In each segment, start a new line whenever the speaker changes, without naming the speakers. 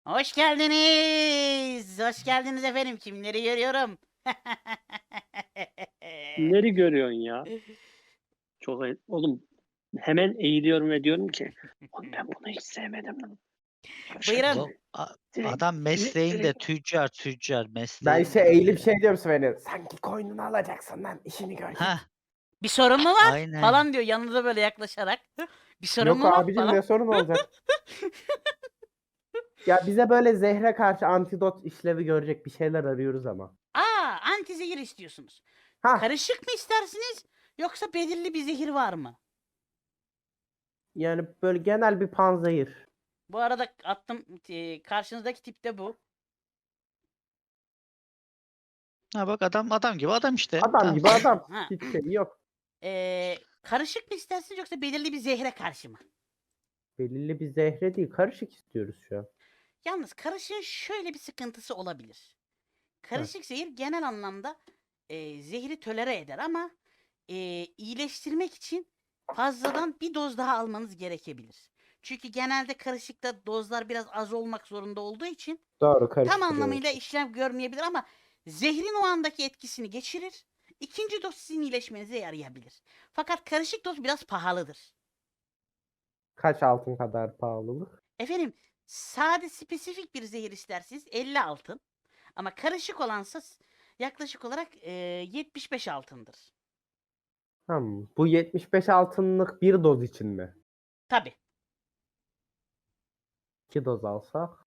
Hoş geldiniz. Hoş geldiniz efendim. Kimleri görüyorum?
Kimleri görüyorsun ya? Çok oğlum hemen eğiliyorum ve diyorum ki oğlum ben bunu hiç sevmedim lan. Yavşak
Buyurun.
seni.
Oğlum,
Direkt,
adam mesleğinde
direkt.
tüccar
Ben
mesleğinde
eğilip
böyle.
şey diyorum Sven'e. Sanki koynunu alacaksın lan. İşini gör git.
Ha,
Bir sorun mu var?
aynen.
Falan diyor yanında böyle yaklaşarak. Bir sorun
Yok
mu var
abicim
falan.
ne sorun olacak? Ya bize böyle zehre karşı antidot işlevi görecek bir şeyler arıyoruz ama.
Anti zehir istiyorsunuz.
Ha
Karışık mı istersiniz? Yoksa belirli bir zehir var mı?
yani böyle genel bir panzehir.
Bu arada attım karşınızdaki tipte bu.
Ha bak adam gibi adam işte.
Adam
Tamam.
gibi adam.
Ha.
Hiç şey yok.
Karışık mı istersiniz yoksa belirli bir zehre karşı mı?
Belirli bir zehre değil. Karışık istiyoruz şu an.
Yalnız karışığın şöyle bir sıkıntısı olabilir.
Heh.
Karışık zehir genel anlamda zehri tolere eder ama iyileştirmek için fazladan bir doz daha almanız gerekebilir. Çünkü genelde karışıkta dozlar biraz az olmak zorunda olduğu için
Doğru
tam
karıştırıyoruz.
anlamıyla işlem görmeyebilir ama zehrin o andaki etkisini geçirir. İkinci doz sizin iyileşmenize yarayabilir. Fakat karışık doz biraz pahalıdır.
Kaç altın kadar pahalılık?
Efendim sade spesifik bir zehir isterseniz 50 altın. Ama karışık olansa yaklaşık olarak 75 altındır.
Bu 75 altınlık bir doz için mi?
Tabi.
2 doz alsak.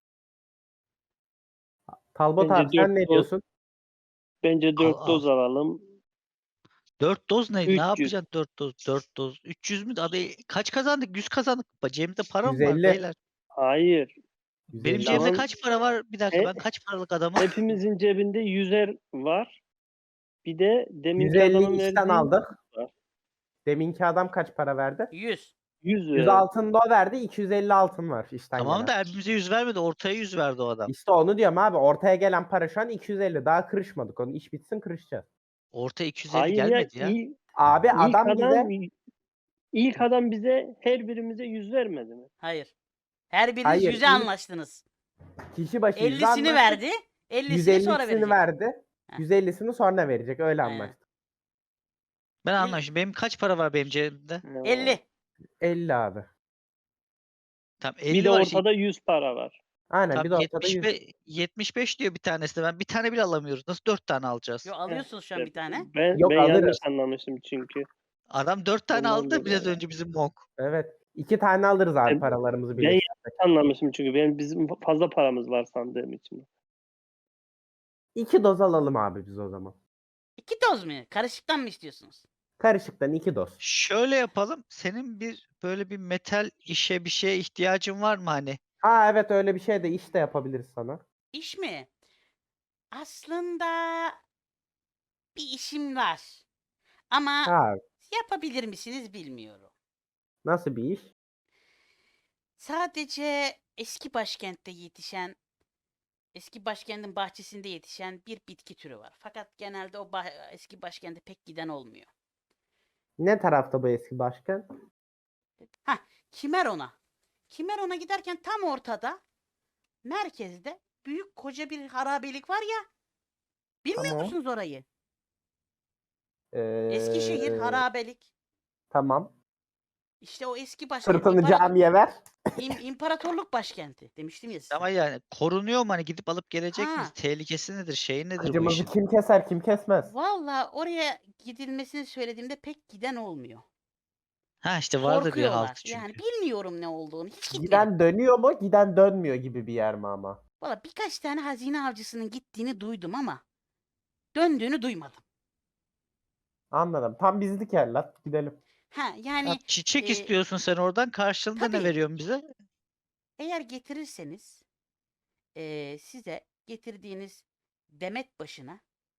Talbot
Bence
abi sen ne diyorsun?
bence
Al
4
al.
doz alalım.
4 doz ne? Ne
300.
yapacaksın 4 doz? 4 doz. 300 mü? Abi kaç kazandık? 100 kazandık. Cebimde para mı var
150.
beyler?
Hayır.
Benim
150.
cebimde
Şu an
kaç para var? Bir dakika
he-
ben kaç paralık adamım?
hepimizin cebinde 100'er var. Bir de deminki
150
adamın
işten
verdiği
aldık.
var.
Deminki adam kaç para verdi?
100.
100
100 altın da o verdi. 250 altın var işten
Tamam
gelen.
da hepimize 100 vermedi. Ortaya 100 verdi o adam.
İşte onu diyorum abi. Ortaya gelen para şu an 250. Daha kırışmadık. Onu iş bitsin kırışacağız.
Ortaya 250
Hayır ya
gelmedi ya.
Abi
ilk
adam
adam
bize
ilk adam bize her birimize 100 vermedi mi?
Hayır. Her biriniz
hayır
100'e
ilk
anlaştınız.
kişi başı 100
50'sini
anlaştık.
verdi. 50'sini sonra
150'sini
verecek.
verdi.
Heh.
150'sini sonra verecek. Öyle
Aynen.
anlaştık.
Ben
İl-
anlamışım. Benim kaç para var benim cebimde?
Ne var?
50.
50 abi.
Tamam
Bir
50
de
var işte.
ortada 100 para var.
Aynen bir
Tam
de ortada 100.
75 diyor bir tanesi de. Ben bir tane bile alamıyoruz. Nasıl 4 tane alacağız?
Yo alıyorsunuz şu an bir tane.
Yok
Ben yanlış
alırız.
anlamışım çünkü.
Adam 4 tane
Ondan
aldı biraz
dolayı.
önce bizim Monk.
Evet. 2 tane alırız abi
Ben,
paralarımızı
ben yanlış
birleştirsek.
anlamışım çünkü bizim fazla paramız var sandığım için.
2 doz alalım abi biz o zaman.
2 doz mu? Karışıktan mı istiyorsunuz?
Karışıktan 2 doz.
Şöyle yapalım. Senin böyle bir metal işe bir şeye ihtiyacın var mı hani?
Ha evet öyle bir şey de işte yapabiliriz sana.
İş mi? Aslında bir işim var. Ama
Ha
yapabilir misiniz bilmiyorum.
nasıl bir iş?
Sadece eski başkentin bahçesinde yetişen bir bitki türü var. Fakat genelde o eski başkente pek giden olmuyor.
Ne tarafta bu eski başkan?
Ha, Kimeron'a. Kimeron'a giderken tam ortada, merkezde büyük koca bir harabelik var ya. Bilmiyor
Tamam.
musunuz orayı? Eskişehir harabelik.
Tamam.
İşte o eski başkent.
Sırtını camiye ver.
İmparatorluk başkenti demiştim ya size.
Ama yani korunuyor mu hani gidip alıp gelecek miyiz?
Ha,
Tehlikesi nedir? Şeyi nedir bu
Acımızı
işin?
kim keser kim kesmez.
valla oraya gidilmesini söylediğimde pek giden olmuyor.
Ha işte vardır bir
Korkuyorlar.
halkı
Yani
çünkü.
bilmiyorum ne olduğunu. Hiç gitmedim.
Giden dönüyor mu giden dönmüyor gibi bir yer mi ama?
Valla birkaç tane hazine avcısının gittiğini duydum ama döndüğünü duymadım.
Anladım. Tam bizlik yer lan. Gidelim.
Ha yani
Abi çiçek
e,
istiyorsun sen oradan. Karşılığında ne
tabii
veriyorsun bize?
eğer getirirseniz size getirdiğiniz demet başına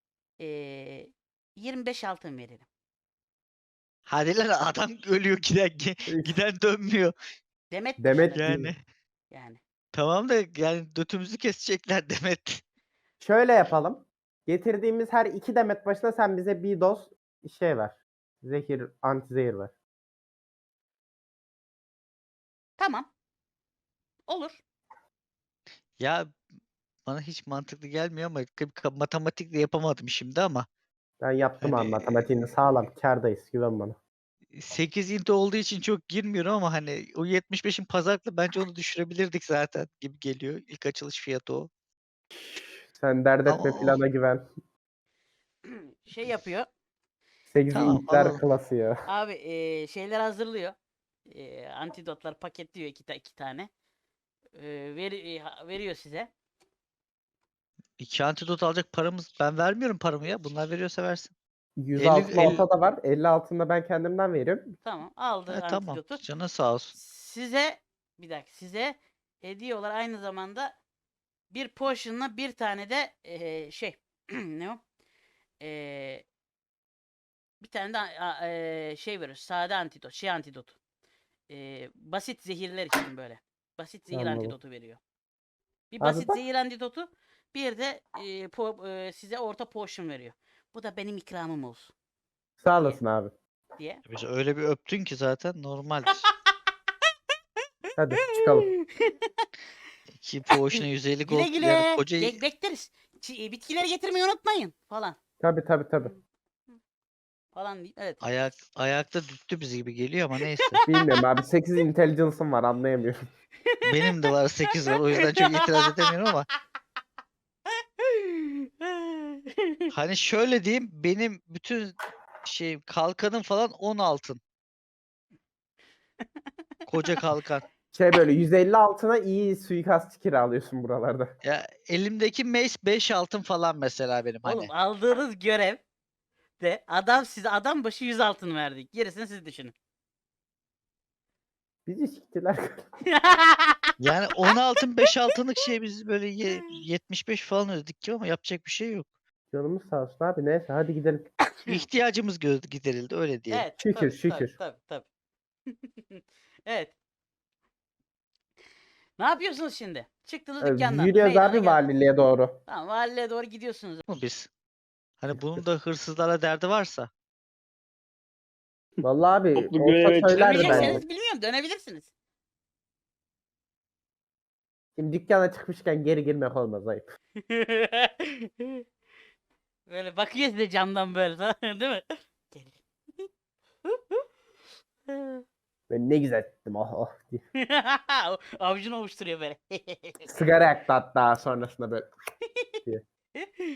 25 altın veririm.
Hadi lan adam ölüyor giden dönmüyor.
Demet
Demet
başına diyorum.
Yani
Yani.
tamam da yani götümüzü kesecekler Demet.
Şöyle yapalım. Getirdiğimiz her 2 demet başına sen bize bir doz şey ver. Zehir, antizehir ver.
Tamam. Olur.
Ya bana hiç mantıklı gelmiyor ama matematikle yapamadım şimdi ama
Ben yaptım abi
hani
matematiğini sağlam. Kârdayız. Güven bana.
8 int olduğu için çok girmiyorum ama hani o 75'in pazarlıkla bence onu düşürebilirdik zaten gibi geliyor. İlk açılış fiyatı o.
Sen dert
Ama
etme plana güven.
Şey yapıyor.
8
tamam
intler
alalım.
klası ya.
Abi şeyler hazırlıyor. Antidotlar paketliyor iki tane. Veriyor size.
2 antidot alacak paramız ben vermiyorum paramı ya. Bunlar veriyorsa versin.
100
50
altın
50
ortada var. 50 altında ben kendimden veriyorum.
Tamam, aldı
tamam.
antidotu.
Canın sağ olsun.
Size hediye olarak aynı zamanda bir potion'la bir tane de şey ne o? Eee, Bir tane de şey veriyor. Sade antidot. Şey antidotu. Basit zehirler için böyle. Basit zehir
Anladım.
antidotu veriyor. Bir
Abi
basit
bak.
zehir antidotu, bir de size orta potion veriyor. Bu da benim ikramım olsun
Sağ olasın abi.
diye.
Biz öyle bir öptün ki zaten normaldir.
Hadi çıkalım.
2 poğuşuna 150
Güle
gold yani
güle.
koca
Bekleriz. Bitkileri getirmeyi unutmayın falan.
Tabii.
Falan deyip evet.
ayakta düttü bizi gibi geliyor ama neyse.
Bilmiyorum abi. 8 intelligence'ım var anlayamıyorum.
Benim de var 8 var o yüzden çok itiraz edemiyorum ama hani şöyle diyeyim benim bütün şey kalkanım falan 10 altın. Koca kalkan.
Şey böyle 150 altına iyi suikastçı kiralıyorsun buralarda.
Ya elimdeki mace 5 altın falan mesela benim
Oğlum
hani.
aldığınız görev de size adam başı 100 altın verdik. Gerisini siz düşünün.
Bizi siktiler.
Yani 10 altın 5 altınlık şey biz böyle 75 falan ödedik ki ama yapacak bir şey yok.
Canımız sağ olsun abi. Neyse hadi gidelim.
İhtiyacımız giderildi öyle diyelim.
Evet,
Şükür,
tabii,
şükür.
tabii. Evet. Ne yapıyorsunuz şimdi? Çıktınız dükkandan.
Yürüyoruz
Meydana
abi
geldiniz.
valiliğe doğru.
Tamam, valiliğe doğru gidiyorsunuz.
Mu biz? Hani bunun da hırsızlarla derdi varsa.
Vallahi abi
Toplu
olsa
göreve
söylerdi
çıkmayacak
bence.
Dönecekseniz bilmiyorum, dönebilirsiniz.
Şimdi dükkana çıkmışken geri girmek olmaz ayıp.
Böyle bakıyor size camdan böyle falan, değil mi? Gel.
Ben ne güzel ettim oh diye.
Avucunu ovuşturuyor böyle.
Sigara yaktı hatta sonrasında böyle.